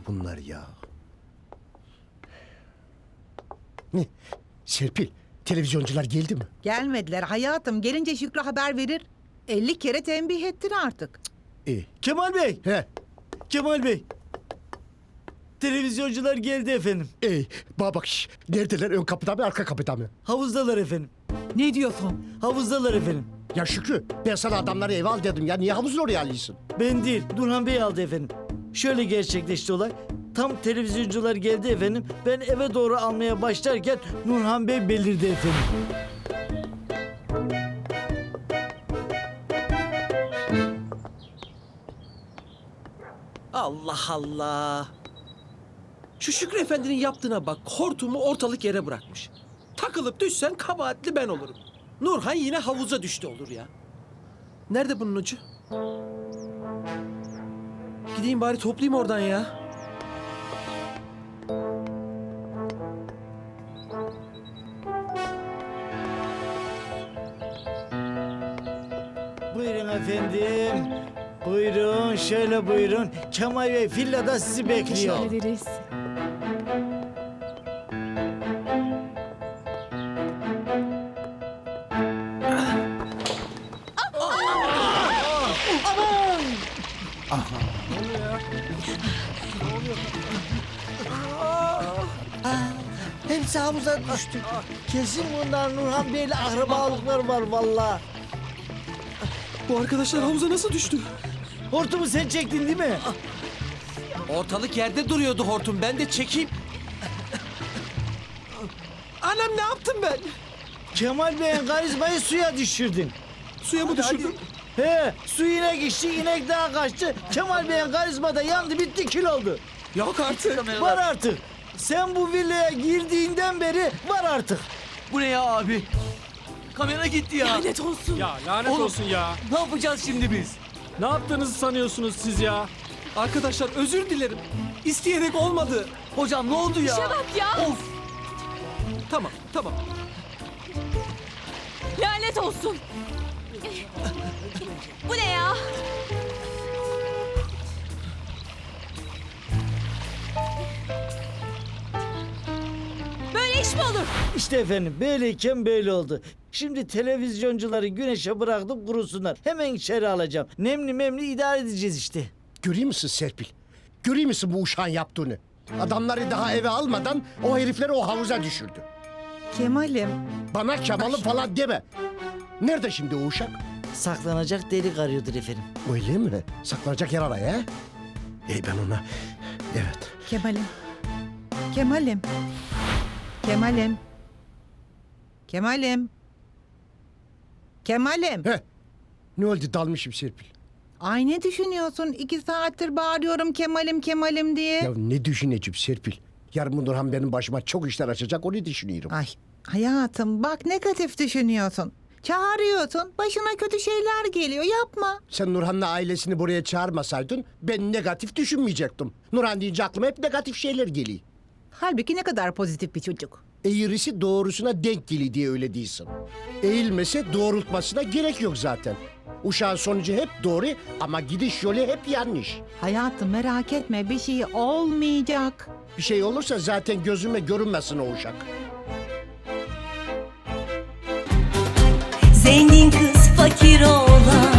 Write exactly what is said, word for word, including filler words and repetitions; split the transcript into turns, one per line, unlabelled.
bunlar ya? Ne? Serpil, televizyoncular geldi mi?
Gelmediler hayatım. Gelince Şükrü haber verir. elli kere tembih ettin artık.
İyi.
Kemal Bey,
He,
Kemal Bey. Televizyoncular geldi efendim.
iyi. Bana bak, şş, neredeler? Ön kapıda mı, arka kapıda mı?
Havuzdalar efendim.
Ne diyorsun?
Havuzdalar efendim.
Ya Şükrü, ben sana adamları eve al dedim ya. Niye havuzun oraya alıyorsun?
Ben değil, Nurhan Bey aldı efendim. Şöyle gerçekleşti olay. Tam televizyoncular geldi efendim. Ben eve doğru almaya başlarken Nurhan Bey belirdi efendim.
Allah Allah. Şu Şükrü Efendi'nin yaptığına bak. Hortumu ortalık yere bırakmış. Takılıp düşsen kabahatli ben olurum. Nurhan yine havuza düştü olur ya. Nerede bunun ucu? Gideyim bari toplayayım oradan ya.
Buyurun efendim. Buyurun, şöyle buyurun. Kemal Bey villada sizi bekliyor.
Teşekkür ederiz.
Hepsi havuza düştü. Kesin bunlar Nurhan Bey'le akrabalıkları var vallahi.
Bu arkadaşlar havuza nasıl düştü?
Hortumu sen çektin değil mi?
Ortalık yerde duruyordu hortum. Ben de çekeyim. Anam ne yaptım ben?
Kemal Bey'in karizmayı suya düşürdün.
Suya mı düşürdüm?
He, su inek içti, inek daha kaçtı. Kemal Bey'in karizma da yandı, bitti, kül oldu.
Yok artık.
Var artık. Sen bu villaya girdiğinden beri var artık.
Bu ne ya abi? Kamera gitti ya.
Lanet olsun.
Ya lanet
Oğlum.
olsun ya.
Ne yapacağız şimdi biz?
Ne yaptığınızı sanıyorsunuz siz ya?
Arkadaşlar özür dilerim. İsteyerek olmadı.
Hocam ne oldu ya?
İşe bak ya.
Of.
Tamam, tamam.
Lanet olsun. Bu ne ya? Böyle iş mi olur?
İşte efendim, böyleyken böyle oldu. Şimdi televizyoncuları güneşe bıraktım kurusunlar. Hemen içeri alacağım. Nemli memli idare edeceğiz işte.
Görüyor musun Serpil? Görüyor musun bu uşağın yaptığını? Adamları daha eve almadan o herifleri o havuza düşürdü.
Kemal'im.
Bana Kemal'im falan deme. Nerede şimdi o uşak?
Saklanacak delik arıyordur efendim.
Öyle mi? Saklanacak yer araya he? İyi ben ona... Evet.
Kemal'im. Kemal'im. Kemal'im. Kemal'im. Kemal'im.
He. Ne oldu dalmışım Serpil?
Ay ne düşünüyorsun? İki saattir bağırıyorum Kemal'im Kemal'im diye.
Ya ne düşüneceğim Serpil? Yarın bu Nurhan benim başıma çok işler açacak onu düşünüyorum.
Ay hayatım bak negatif düşünüyorsun. Çağırıyorsun başına kötü şeyler geliyor yapma.
Sen Nurhan'la ailesini buraya çağırmasaydın ben negatif düşünmeyecektim. Nurhan deyince aklıma hep negatif şeyler geliyor.
Halbuki ne kadar pozitif bir çocuk.
Eğrisi doğrusuna denk geliyor diye öyle değilsin. Eğilmese doğrultmasına gerek yok zaten. Uşağın sonucu hep doğru ama gidiş yolu hep yanlış.
Hayatım merak etme bir şey olmayacak.
Bir şey olursa zaten gözüme görünmesin o uşak.
Zengin kız fakir oğlan